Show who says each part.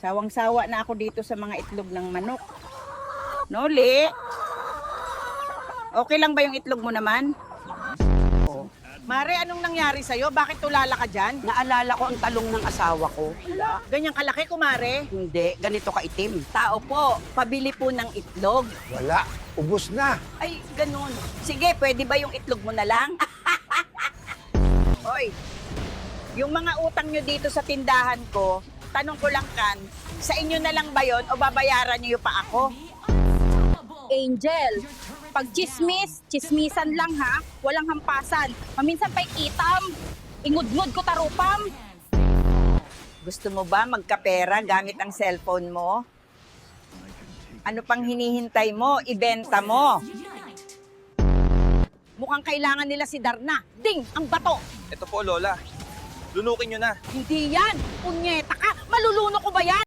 Speaker 1: Sawang-sawa na ako dito sa mga itlog ng manok. Noli, okay lang ba yung itlog mo naman?
Speaker 2: Oh.
Speaker 1: Mare, anong nangyari sa'yo? Bakit tulala ka dyan?
Speaker 2: Naalala ko ang talong ng asawa ko.
Speaker 1: Ganyang kalaki, kumare.
Speaker 2: Hindi, ganito kaitim.
Speaker 1: Tao po, pabili po ng itlog.
Speaker 3: Wala, ubos na.
Speaker 1: Ay, ganun. Sige, pwede ba yung itlog mo na lang? Hoy, yung mga utang nyo dito sa tindahan ko, tanong ko lang kan, sa inyo na lang ba yon o babayaran nyo pa ako?
Speaker 4: Angel, pag chismis, chismisan lang ha. Walang hampasan. Maminsan pa'y itam. Ingudngud ko tarupam.
Speaker 1: Gusto mo ba magkapera gamit ang cellphone mo? Ano pang hinihintay mo? Ibenta mo. Mukhang kailangan nila si Darna. Ding! Ang bato!
Speaker 5: Ito po, Lola. Lunukin nyo na.
Speaker 4: Hindi yan. Punyeta ka. Maluluno ko ba yan?